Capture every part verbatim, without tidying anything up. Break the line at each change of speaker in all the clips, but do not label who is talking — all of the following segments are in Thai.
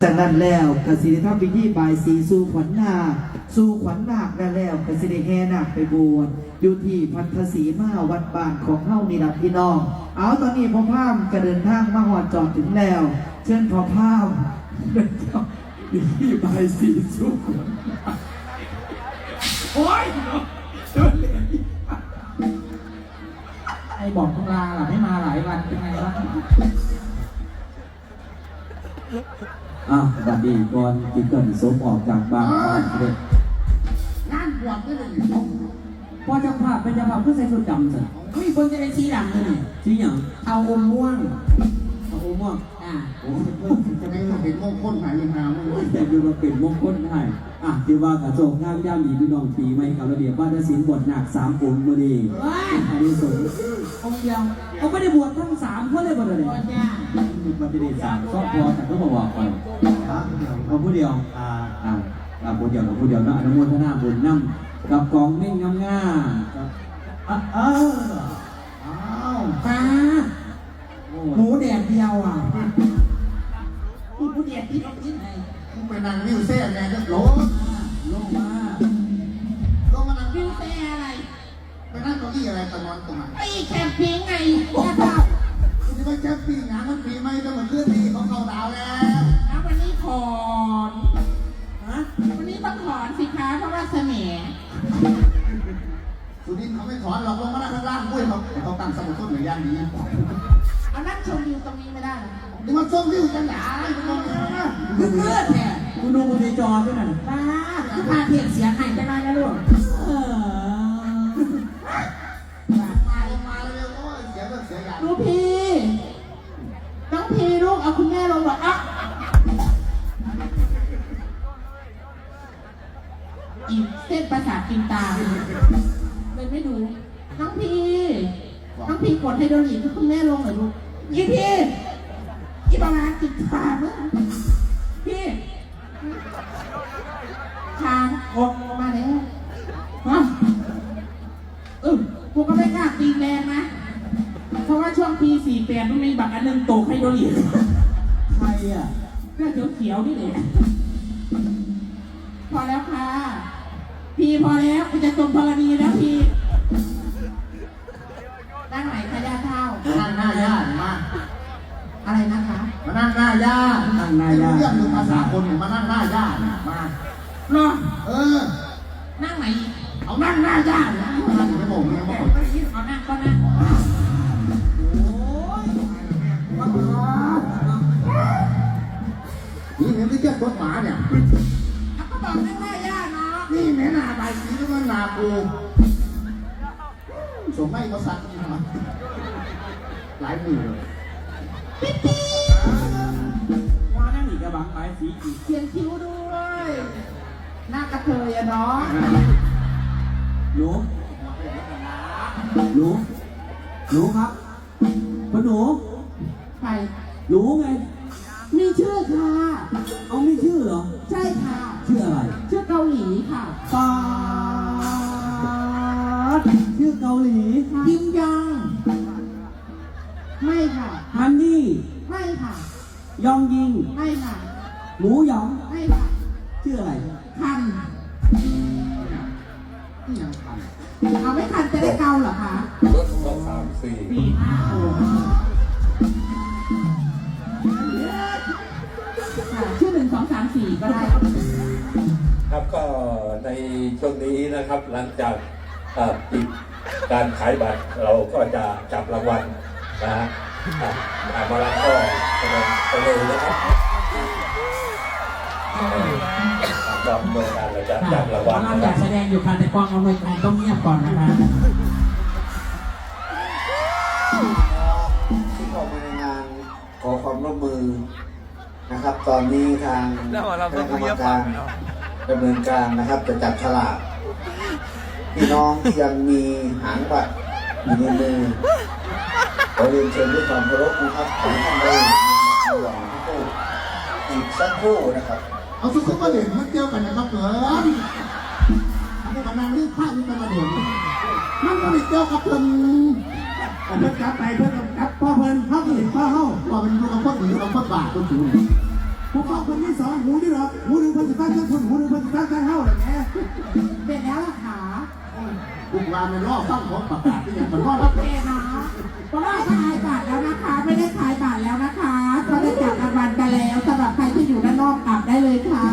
จากนั้นแล้วกสิริทำพิธีบายสีสู่ขวัญนาคสู่ขวัญนาคได้แล้วกสิริแห่นาคไปบวชอยู่ที่พัทธสีมาวัดบ้านของเฮานี่ล่ะพี่น้องเอาตอนนี้พ่อพามก็เดินทางมาหอดจอดถึงแล้วเชิญพ่อพามเดินทางพิธีบายสีสู่ขวัญนาคโอ้ยไอ้บอกต้องลาล่ะไม่มาหลายวันเป็นไงวะอ่ะบัดนี้ก่อนกินกันสมออกจากบ้านเด็ก
งานบวชนี่เลย
พอเจ้าภาพเป็นเจ้าภาพเพื่อใส่ชุดดำสิ
เฮ้ยคนจะได้สีดำเลย
สีอย่าง
เอาอมม่วง
เอาอมม่วง
อ่าโอ้จะไม่ต้องเป็นมงคลหายหา
แต่ดูมาเป็นมงคลให้อ่ะที่ว่ากระโจกงามย่ามีพี่น้องปีใหม่กับระเบียบบ้านศิลป์บทหนักสามองค์มาดีอันนี้สง
องค์เดียว
เขาไม่ได้บวชทั้งสามคนเลยบวชเลยมันจะได้สามครอบครัวแต่ก็บอกก่อนเอาผู้เดียวอ่าอ่าอ่าผู้เดียวกับผู้เดียวเนาะอนุโมทนาบุญนำกับกองเม่งงามง่าอ่ะเออ
อ้าวตาหมูแดดเดียวอ่ะพี่ผู้เดียดที่ต้องกินไงมึงไปนั่งวิวเซ่แน่ก็ลง
ลงมา
ลงมานั่งวิวเซ่อะไรไปนั่งเก้าอี้อะไรตะนอนตรงไหนไอ้แคมปิ้งไงพ่อเจ้าคุณจะไปแคมปิ้งงานมันปีใหม่ต้องมาเคลื่อนที่ของเขาดาวแล้วแล้ววันนี้ถอนฮะวันนี้ต้องถอนสิคะเพราะว่าเสน่ห์สุดินเขาไม่ถอนหรอกลงมาข้างล่างด้วยเขาเขาตั้งสมุดต้นหรือย่างนี้เอานั่งชมวิวตรงนี้ไม่ได้นี่มันชมวิวจังหวะคุณมองนะคุณเลือดเนี่ย
คุณดูบนในจอด้วยนะ
ป้าคือพาเทียนเสียงให้จะน้อยนะลูกเออมาลงมาเร็วโอ้ยเสียงก็เสียอย่างลูกพี่น้องพี่ลูกเอาคุณแม่ลงหรออ่ะอีเส้นประสาทกินตาเลยไม่ดูน้องพี่น้องพี่กดให้โดนอีกคุณแม่ลงหน่อยลูกยี่พี่ยี่ประมาณกินตาเมื่อพี่ทางออกมาแล้วฮะเออกูก็ไม่กล้าตีแรงนะเพราะว่าช่วงปีสี่แปดมันมีบักอันนึงโตให้โดนอีก
ใครอ่ะ
เรื่องเขียวๆนี่แหละพอแล้วค่ะพี่พอแล้วกูจะจมพลณีแล้วพี่นั่งไหนคะย่าเท่านั่งหน้าย่ามาอะไรนะคะมานั่งหน้าย่า
นั่งหน้าย่า
เรื่องภาษาคนมานั่งหน้าย่ามาเนาะเออนั่งไหนเอานั่งหน้าย่านั่งไม่บอกไม่บอกเอานั่งก็นั่งโอ้ยนี่เห็นที่เจ้าตัวหมาเนี่ยก็บอกนั่งหน้าย่าเนาะนี่แม่นาใบสีก็มันนาปูสมไม่ก็สักนี่นะหลายมือเลยปิ๊บปิ๊บ
ว่านั่งอีกกระบังไปสีอีก
เขียนคิ้วด้วยหน้ากระเทยอะเนาะ
หนูหนูหนูครับพ่อหนู
ใคร
หนูไง
มีชื่อค่ะ
เอาไม่ชื่อเหรอ
ใช่ค่ะ
ชื่ออะไร
ชื่อเกาหลีค่ะ
ปาชื่อเกาหลี
ยิมยังไม่ค่ะ
ฮันนี่
ไม่ค่ะ
ยองยิง
ไม่ค่ะ
หมูหยอง
ไม่ค่ะ
ชื่ออะไร
คันเอาไม่คันจะได้เกาเหรอคะ
รถสองสามสี่
สี่ห้าหกชื่อหนึ่งสองสามสี่ก็ได้
ครับก็ในช่วงนี้นะครับหลังจากปิดการขายบัตรเราก็จะจับรางวัลนะฮะมาแล้วก็ไปเลยนะครับรอบเมื่อการเราจะจับรางวัล
เราอยากแสดงอยู่ค่ะแต่กองเอาไว้ต้องเงียบก่อนนะคะ
ที่เข้ามาในงานขอความร่วมมือนะครับตอนนี้ทางคณะกรรมการดำเนินการนะครับจะจับฉลากพี่น้องที่ยังมีหางบัตรอยู่ในมือขอเรียนเชิญด้วยความเคารพนะครับขอท่านได้หวังที่ตู้อีกสักครู่นะครับ
เอาทุกคนมาเด่นมันเดียวกันนะครับเหรอนี่มันนั่งรีบผ้านี่เป็นมาเด่นมันก็ไม่เกี่ยวกับเพิ่นเพิ่นกลับไปเพิ่นกลับพ่อเพิ่นเขาเห็นพ่อเขาพ่อเป็นลูกกับพ่อหรือลูกกับพ่อบาทก็ถือ
ผู้ฟังคนที่สองหูนี่หรอหูหนึ่งพันสิบตั้งคนหูหนึ่งพันสิบตั้งเท่าเลยแม่
เป็นแล้วล่ะค่ะ
ทุกวันในรอบตั้งของประกาศที่ยังมันก็
โอเคนะเพราะว่าขายบัตรแล้วนะคะ ไม่ได้ขายบัตรแล้วนะคะเขาได้จับรางวัลกันแล้วสำหรับใครที่อยู่ด้านนอกกลับได้เลยค่ะ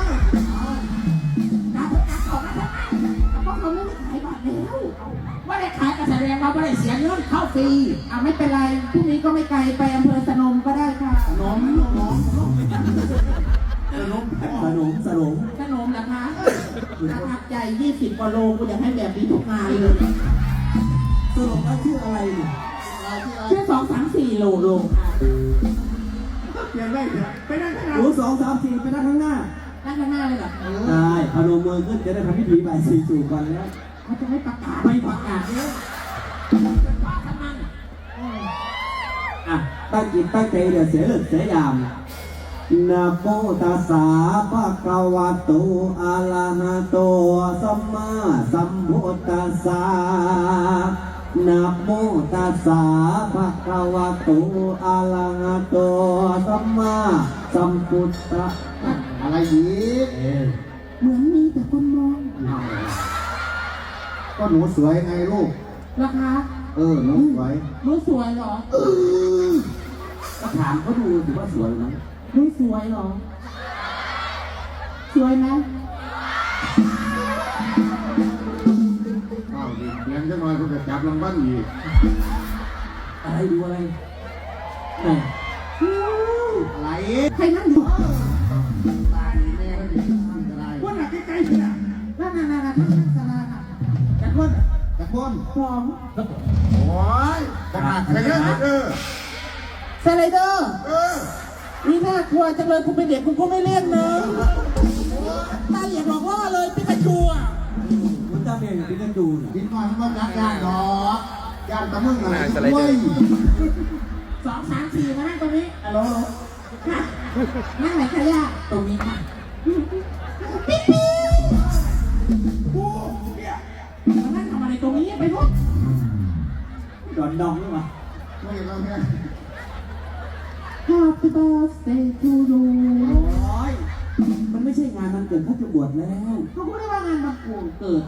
กลับกลับออกมาทำไมเพราะเขาไม่ได้ขายบัตรแล้วว่าได้ขายก็แสดงว่าไม่ได้เสียเงินเข้าฟรีอ่ะไม่เป็นไรพรุ่งนี้ก็ไม่ไกลไปอำเภอสนมก็ได้ค่ะ
น้องน้องน้องน้อง
สนมสนมสนม
สนมนะคะประทับใจยี่สิบกว่าโลกูอยากให้แบบนี้ทุกงานเลย
สนมว่าชื่ออะไรเนี่ย
ชื่อสองสามสี่โลโลค่ะ
เปลี่ยนได้เถอะไปนั่งข้างหน้า
หูสองสามสี่ไปนั่งข้างหน้า
ด้านข้างหน้าเลยเหรอ
ได้พนมมือขึ้นจะได้ทำพิธีใบสีจูก่อนแล้ว
เขาจะไม่ประกาศไม่ประกาศเนี่ยเป็นว่าทำไม
อ่ะตั้งจิตตั้งใจเดี๋ยวเสียเลิกเสียยามนะโมตัสสะภะคะวะโตอะระหะโตสัมมาสัมพุทธัสสะนะโมตัสสะภะคะวะโตอะระหะโตสัมมาสัมพุทธัสสะ
อะไรอีก
เหมือนมีแต่คนมอง
ก็หนูสวยไงลูก
นะคะ
เออหนูสวย
รู้สวยเหรอ
ก็ถามเขาดูถือว่าสวยไหม
รู้สวยเหรอ สวยไหม
อ้าวดิเพียงจะน้อยเขาจะจับรางวัลอีก
อะไรดูอะไรไหน
อะไร
ใครนั่งอยู่
ตายแม่ก็ดิอะไร
คนหนักใกล้ๆสินะ
นั่นนั่นนั่นนั่นนั่นสลาน่ะ
แต่คน
แต่คน
สอง
โอ้ยขนาดใครเยอะเออ
สไลเดอร์
เออ
นี่น่ากลัวจังเลยกูเป็นเด็กกูก็ไม่เล่นนะตาเหลียกหลอกล่อเลยปิกาจูอ่ะ
มันจะเป็นพิกันดูน่ะ
ดินน้อยมันรักยานดอกยานตะมึงอะไรด้วย
สองสามสี่มานั่งตรงนี้ฮัลโหลค่ะนั่งไหนคะย่าตรงนี้ค่ะปิ๊บปิ๊บโอ้เนี่ยมานั่งทำอะไรตรงนี้ไปพวก
ดอนดองนี่วะ
ไม่เห็นเราเนี่ย
Happy birthday to you
โอ้ยมันไม่ใช่งานมันเกิดเขาจะบวชแล้ว
เขาพูดได้ว่างานวันโกนเกิด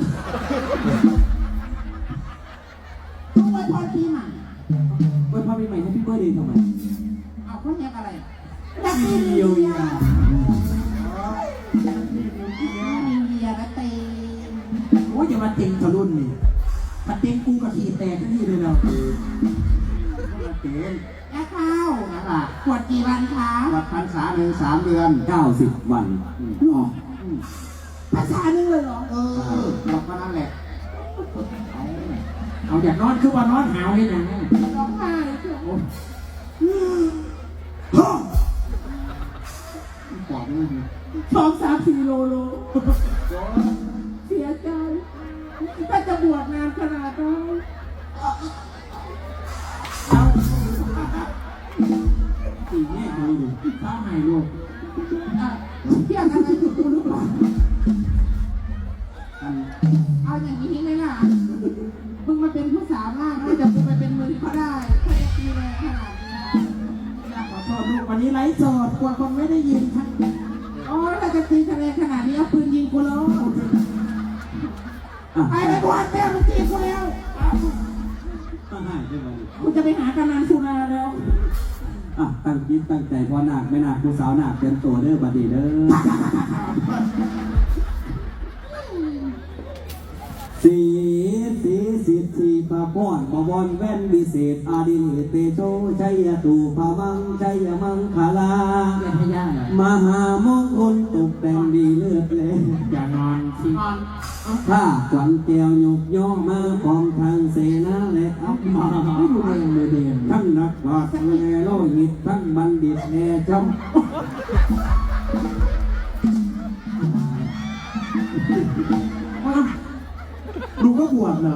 ต้องไว้พรปีใหม่
เมื่อพาปีใหม่ให้พี่เบิร์ดเดย์ทำไม
เอาเขาเรียกอะไรดับเบิล
เยียวยา
นิวเยียร์นะเต็ม
โอ้ยอย่ามาเต็งทะลุนนี่ถ้าเต็งกูกับขี่แตกที่นี่เลยเรา
เก๋
แม่ข้าวนะคะขวดกี่วันคะ
วัดพรรษาหนึ่งสามเดือน
เก้าสิบวัน
หรอภาษาหนึ่งเลยเหรอ
เออบอกมานั่นแหละ
เอาอยากนอนคือว่านอนหาวให้หนังร้องไห้เชียว
บอกนี่
สองสามสี่โลโลเสียใจถ้าจะบวชนานขนาดนั้นเอา
สี่แง่เขาอยู่
ข้าวใหม่ลูกอ่ะเที่ยงอะไรอยู่กูหรือเปล่า
อัน
เอาอย่างนี้ไหมล่ะมึงมาเป็นผู้สาวมากนะจะกูไปเป็นมือก็ได้แค่ตีแรงขนาดนี้อยากขอโทษลูกวันนี้ไลฟ์สดกลัวคนไม่ได้ยินทั้งโอ้ยถ้าจะตีทะเลขนาดนี้เอาปืนยิงกูแล้ว
อ่ะ
ไอ้ไปบวชแม่มึงตีกูแล้ว
ต้องให้ใช่ไหม
กูจะไปหากำนันสุนาแล้ว
อ่ะตั้งจิตตั้งใจพอหนักไม่หนักผู้สาวหนักเตรียมตัวเด้อบัดนี้เด้อสีสีสิทธิปะป้อนปะบอนแว่นวิเศษอาดิเลเตโชชัยตูพามังชัยมังคลา
อย่าให้ย่าเลย
มหามงคลตกแต่งดีเลือดเลย
อย่านอนสินอน
ถ้าขวัญแก้วหยกย่อมาพร้อมทางเสนาและอัพมาไม่ดูแลเลยเด่นทั้งนักบาตรแลโลหิตทั้งบัณฑิตแลจำดูก็บวชเหรอ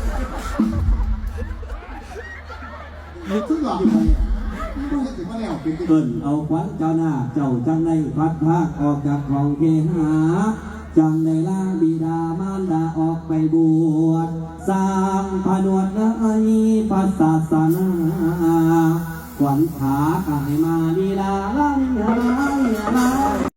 ซึ่งหลอกอยู่เนี่ยดูก็ถึงว่าแล้วเป็น
เกินเอาขวัญเจ้าหน้าเจ้าจังในพัดพากออกจากคลองเคหาจังในล่าบิดามารดาออกไปบวชสร้างผนวดในพระศาสนาค
ขวัญขากายมาลีลาลาลีลาลา